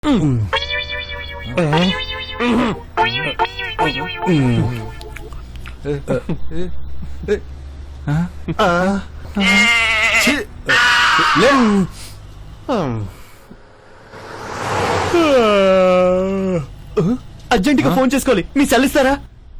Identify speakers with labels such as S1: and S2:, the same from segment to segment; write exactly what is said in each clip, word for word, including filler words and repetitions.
S1: Urgent గా phone చేసుకోవాలి, మీ సెల్లిస్తారా?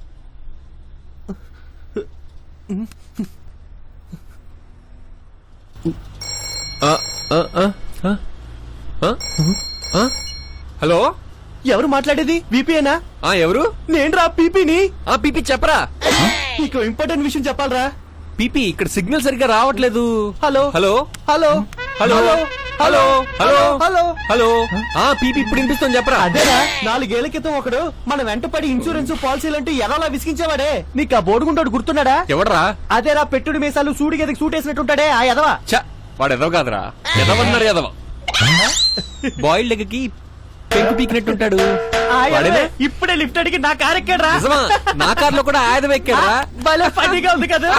S2: Hello,
S1: ఎవరు మాట్లాడేది? వీపీఏనా?
S2: ఎవరు?
S1: నేను రా పీపీని.
S2: ఆ పీపీ చెప్పరా.
S1: నీకు ఇంపార్టెంట్ విషయం చెప్పాలరా.
S2: పీపీ ఇక్కడ సిగ్నల్ సరిగ్గా రావట్లేదు.
S1: Hello
S2: hello
S1: hello
S2: hello hello hello
S1: hello
S2: hello ఆ పీపీ ఇప్పుడు వినిపిస్తుంది చెప్పరా.
S1: అదేరా, నాలుగేళ్ల క్రితం ఒకడు మన వెంట పడి ఇన్సూరెన్స్ పాలసీలంటూ ఎలాలా విసిగించేవాడే. నీకు ఆ బోడుగుంటాడు గుర్తున్నాడా?
S2: ఎవడరా?
S1: అదేరా, పెట్టుడు మీసాలు సూడి గదికి సూట్ వేసినట్టుంటాడే ఆ ఎదవా.
S2: చ వాడు ఎదవ కాదురా, ఎదవన్నారు ఎదవ. బాయిల్డ్ ఎగ్ కి పెంకు పీకినట్టుంటాడు.
S1: ఇప్పుడే లిఫ్ట్ అడిగి నా కార్ ఎక్కాడు రా.
S2: నా కార్ లో కూడా ఆయుధం ఎక్కాడా?
S1: భలే ఫన్నీగా ఉంది కదా.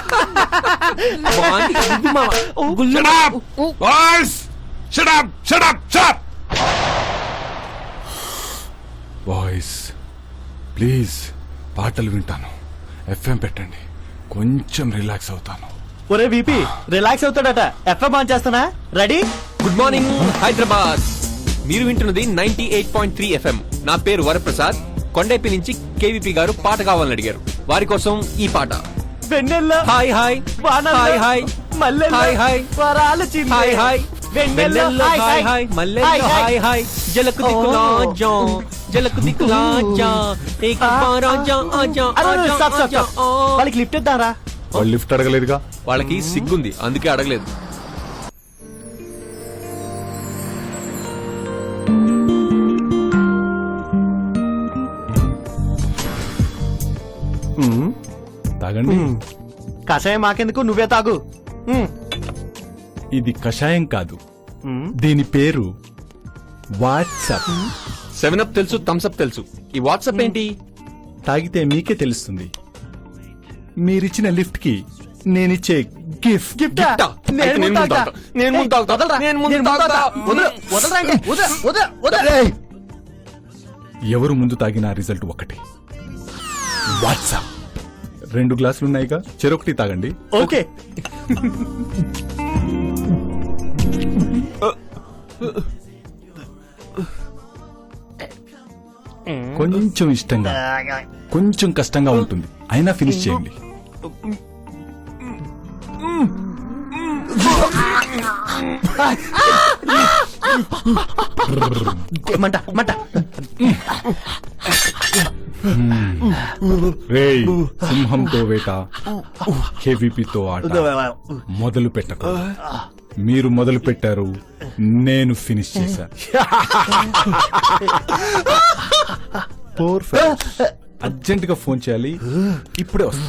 S3: బాయ్స్ ప్లీజ్ పాటలు వింటాను, ఎఫ్ఎం పెట్టండి, కొంచెం రిలాక్స్ అవుతాను.
S1: ఒరే వీపీ, రిలాక్స్ అవుతాడట, ఎఫ్ఎం ఆన్ చేస్తానా? రెడీ?
S2: Good morning Hyderabad. మీరు వింటున్నది ninety eight point three FM. నా పేరు వరప్రసాద్. కొండైపి నుంచి కేవీపీ గారు పాట కావాలని అడిగారు. వారి కోసం ఈ పాట.
S1: వెన్నెల్ల
S2: హాయ్ హాయ్ హాయ్ హాయ్
S1: మల్లెల్ల
S2: హాయ్ హాయ్
S1: వరాల చిందే
S2: హాయ్ హాయ్
S1: వెన్నెల్ల
S2: హాయ్ హాయ్ మల్లెల్ల హాయ్ హాయ్ జలకు దిక్కులా జా జలకు దిక్కులా జా ఏక్ బార్ ఆజా ఆజా ఆజా ఆజా.
S1: వాళ్ళకి లిఫ్ట్ ఇద్దారా?
S3: వాళ్ళు లిఫ్ట్ అడగలేదుగా.
S2: వాళ్ళకి సిగ్గుంది, అందుకే అడగలేదు.
S3: తాగండి.
S1: కషాయం మాకెందుకు, నువ్వే తాగు.
S3: ఇది కషాయం కాదు, దీని పేరు వాట్సాప్.
S2: సెవెన్ అప్ తెలుసు, థమ్స్ అప్ తెలుసు, ఈ వాట్సాప్ ఏంటి?
S3: తాగితే మీకే తెలుస్తుంది. మీరిచ్చిన లిఫ్ట్ కి నేనిచ్చే గిఫ్ట్.
S2: గిఫ్టా? అయితే నేను ముందు తాగుతా. నేను ముందు తాగుతా. నేను ముందు తాగుతా.
S3: ఎవరు ముందు తాగిన రిజల్ట్ ఒకటి. వాట్సాప్. రెండు గ్లాసులు ఉన్నాయిగా, చెరొకటి తాగండి.
S1: ఓకే.
S3: కొంచెం ఇష్టంగా, కొంచెం కష్టంగా ఉంటుంది, అయినా ఫినిష్ చేయండి.
S1: మంట మంట.
S3: రేయ్, సింహంతో వేట, కేవీపీతో ఆట మొదలు పెట్టకు. మీరు మొదలు పెట్టారు, నేను ఫినిష్ చేశాను. అర్జెంట్ గా ఫోన్ చేయాలి, ఇప్పుడే వస్తా.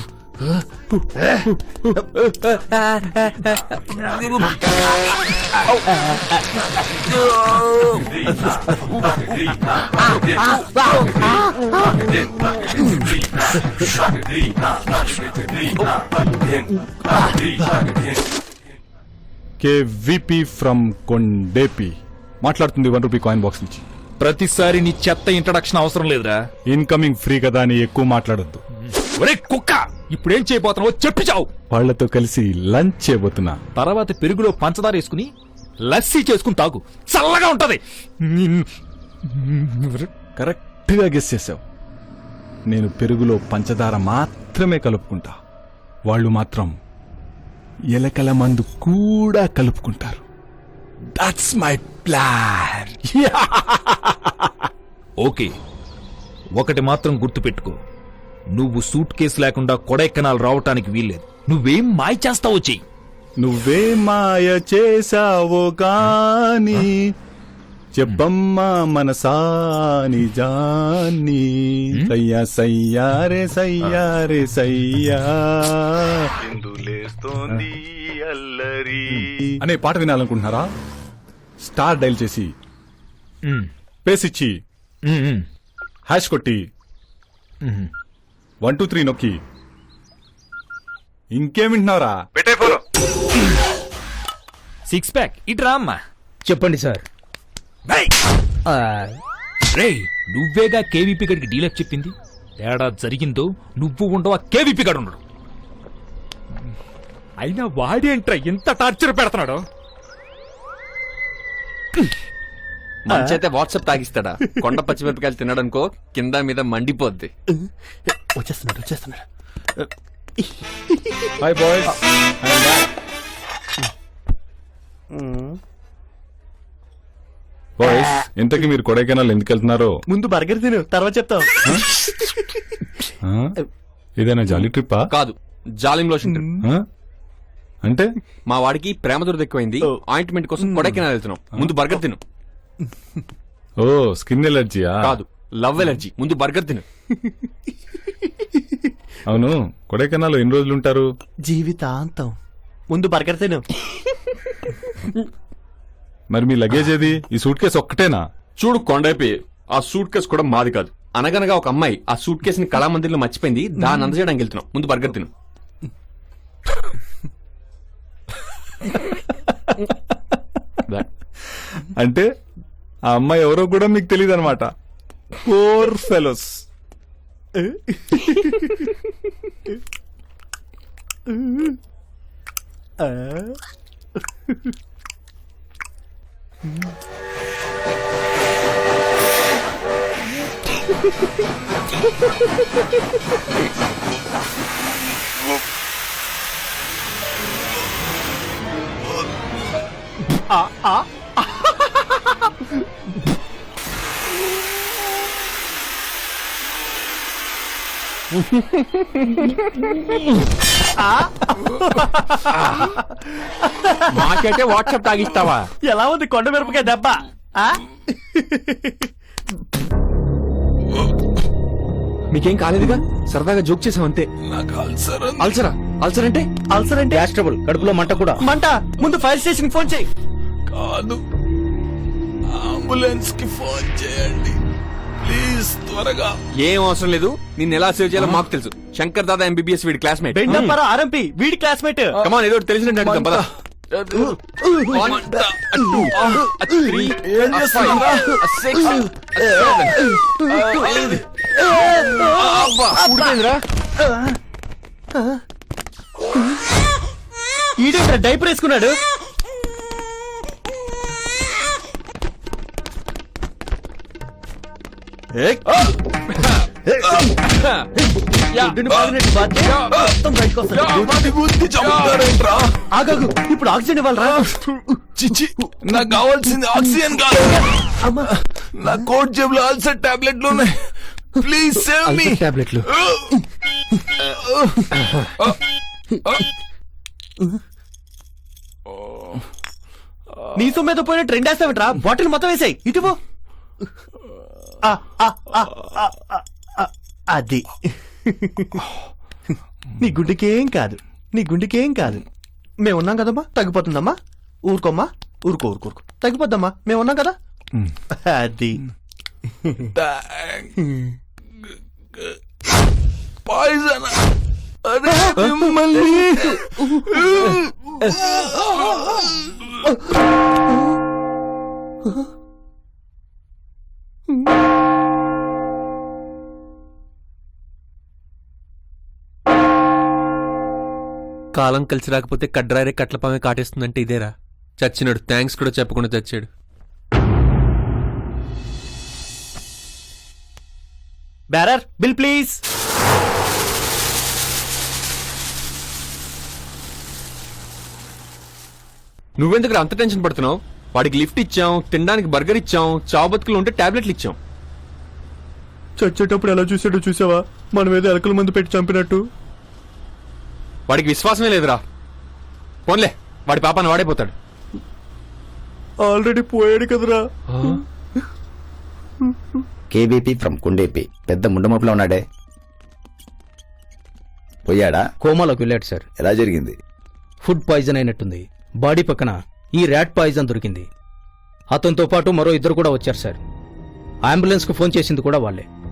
S3: కేవీపీ ఫ్రమ్ కొండేపి మాట్లాడుతుంది. వన్ రూపీ కాయిన్ బాక్స్ నుంచి.
S4: ప్రతిసారి నీ చెత్త ఇంట్రడక్షన్ అవసరం లేదురా.
S3: ఇన్కమింగ్ ఫ్రీ కదా అని ఎక్కువ మాట్లాడొద్దు.
S4: ఒరే కుక్క, ఇప్పుడేం చేయబోతున్నావో చెప్పి చావు.
S3: వాళ్లతో కలిసి లంచ్ చేయబోతున్నా.
S4: తర్వాత పెరుగులో పంచదార వేసుకుని లస్సీ చేసుకుని తాగు, చల్లగా ఉంటది.
S3: కరెక్ట్ గా గెస్ చేసావు. నేను పెరుగులో పంచదార మాత్రమే కలుపుకుంటా, వాళ్ళు మాత్రం ఎలకల మందు కూడా కలుపుకుంటారు. That's my plan.
S4: ఓకే, ఒకటి మాత్రం గుర్తుపెట్టుకో, నువ్వు సూట్ కేసు లేకుండా కొడైకెనాల్ రావటానికి వీల్లేదు. నువ్వేం మాయ చేస్తావో చెయ్యి.
S3: నువ్వే మాయ చేసావో గాని చెప్పమ్మా మనసాని జాని. సయ్యా సయ్యారే సయ్యారే సయ్యా ఎందులేస్తోంది అల్లరి అనే పాట వినాలనుకుంటున్నారా? స్టార్ డైల్ చేసి పేసిచ్చి హ్యాష్ కొట్టి వన్ టూ త్రీ నొక్కి ఇంకేం వింటున్నారా? పెట్టే ఫోన్.
S4: సిక్స్ ప్యాక్ ఇట్రా అమ్మా.
S1: చెప్పండి సార్.
S4: రేయ్ నువ్వేగా కేవీపీ గడికి డీలర్ చెప్పింది. తేడా జరిగిందో నువ్వు ఉండవు, ఆ కేవీపీ గడు ఉండడు. అయినా వాడేంట్రా ఎంత టార్చర్ పెడుతున్నాడు?
S2: మంచైతే వాట్సాప్ తాగిస్తాడా? కొండ పచ్చిమిరపకాయలు తినడానికో కింద మీద మండిపోద్ది.
S1: వచ్చేస్తున్నాడు వచ్చేస్తున్నాడు
S3: హాయ్ బాయ్స్. బాయ్స్ ఇంతకీ మీరు కొడైకెనాల్ ఎందుకు వెళ్తున్నారో
S1: ముందు బర్గర్ తిను తర్వాత చెప్తాం.
S3: ఆ? ఇదేనా జాలీ ట్రిప్పా?
S2: కాదు, జాలిం లోషన్ ట్రిప్.
S3: ఆ? అంటే
S2: మా వాడికి ప్రేమ దురద ఎక్కువైంది,
S1: ఓ.
S2: ఆయింట్మెంట్ కోసం కొడైకెనాల్ వెళ్తున్నాం. ముందు బర్గర్ తిను.
S3: ఓ స్కిన్ ఎలర్జీయా?
S2: కాదు, లవ్ ఎలర్జీ. ముందు బర్గర్ తిను.
S3: అవును, కొడైకెనాల్ ఎన్ని రోజులు ఉంటారు?
S1: జీవితాంతం. ముందు బర్గర్ తిను.
S3: మరి మీ లగేజ్ ఏది? ఈ సూట్ కేసు ఒక్కటేనా?
S2: చూడు కొండైపోయి, ఆ సూట్ కేసు కూడా మాది కాదు. అనగనగా ఒక అమ్మాయి ఆ సూట్ కేసుని కళామందిర్లో మర్చిపోయింది, దాన్ని అందజేయడానికి వెళ్తున్నాం. ముందు బర్గర్ తిను.
S3: అంటే ఆ అమ్మాయి ఎవరో కూడా మీకు తెలియదు అనమాట. Poor fellows.
S2: మాకైతే వాట్సాప్ తాగిస్తావా?
S1: ఎలా ఉంది కొండ మిరపకాయ దెబ్బ? ఆ?
S2: మీకేం కాలేదుగా, సరదాగా జోక్ చేసాం అంతే. అల్సరా? అల్సర్ అంటే?
S1: అల్సర్ అంటే
S5: గ్యాస్ ట్రబుల్, కడుపులో మంట కూడా.
S1: మంట. ముందు ఫైర్ స్టేషన్ ఫోన్ చేయి.
S3: కాదు, అంబులెన్స్ కి ఫోన్ చేయండి ప్లీజ్, త్వరగా.
S2: ఏం అవసరం లేదు, నిన్ను ఎలా సేవ్ చేయాలో మాకు తెలుసు. శంకర్ దాదా ఎంబీబీఎస్ వీడి క్లాస్మేట్.
S1: బెండప్పరా ఆర్ఎంపీ వీడి క్లాస్మేట్.
S2: కమాన్, ఏదో ఒకటి తెలిసినట్టు అడుగుదాం, పద. One, a two, a three, a five, a six, a seven, a eight. అబ్బా, ఉడిపోయిందిరా.
S1: ఈడేంట్రా డైపర్ వేసుకున్నాడు? గుడ్డుని బాదినట్టు బాధ్య మొత్తం బయటకు వస్తాడు. ఆగాగు, ఇప్పుడు ఆక్సిజన్ ఇవ్వాలరా?
S3: చిచి, నాకు కావాల్సింది ఆక్సిజన్ కాదు.
S1: అమ్మా,
S3: నా కోట్ జేబులో అల్సర్ టాబ్లెట్లు ఉన్నాయి. Please save me.
S2: టాబ్లెట్లు.
S1: నీ సొమ్మేదో పోయిన ట్రెండ్ వేస్తావేంట్రా? బాటిల్ మొత్తం వేసాయి. ఇటు పో. ఆ, ఆ, ఆ, ఆ, ఆ, ఆ, అది నీ గుండెకేం కాదు, నీ గుండెకేం కాదు. మేమున్నాం కదమ్మా, తగ్గిపోతుందమ్మా. ఊరుకోమ్మా, ఊరుకో ఊరుకో ఊరుకో తగ్గిపోద్దమ్మా. మేమున్నాం కదా. అది
S3: పాయిజన్. అరే మిమ్మల్ని.
S2: కాలం కలిసి రాకపోతే కడ్రారే కట్లపామే కాటేస్తుందంటే ఇదేరా. చచ్చినాడు, థ్యాంక్స్ కూడా చెప్పకుండా చచ్చాడు.
S1: Bearer bill please.
S2: నువ్వెందుకు అంత టెన్షన్ పడుతున్నావు? వాడికి లిఫ్ట్ ఇచ్చాం, తినడానికి బర్గర్ ఇచ్చాం, చావు బతుకులు ఉంటే టాబ్లెట్లు ఇచ్చాం.
S1: చచ్చేటప్పుడు ఎలా చూసాడో చూసావా? మనం ఏదో ఎలకల మందు పెట్టి చంపినట్టు.
S2: వాడికి విశ్వాసమే లేదురా. పోన్లే, వాడి పాపాన్ని వాడైపోతాడు.
S1: ఆల్రెడీ పోయాడు కదరా.
S5: కేబీపీ ఫ్రమ్ కుండేపి. పెద్ద ముండమపులో ఉన్నాడే, పోయాడా?
S6: కోమాలోకి వెళ్ళాడు సార్.
S5: ఎలా జరిగింది?
S6: ఫుడ్ పాయిజన్ అయినట్టుంది. బాడీ పక్కన ఈ ర్యాట్ పాయిజన్ దొరికింది. అతనితో పాటు మరో ఇద్దరు కూడా వచ్చారు సార్. అంబులెన్స్ కు ఫోన్ చేసింది కూడా వాళ్ళే.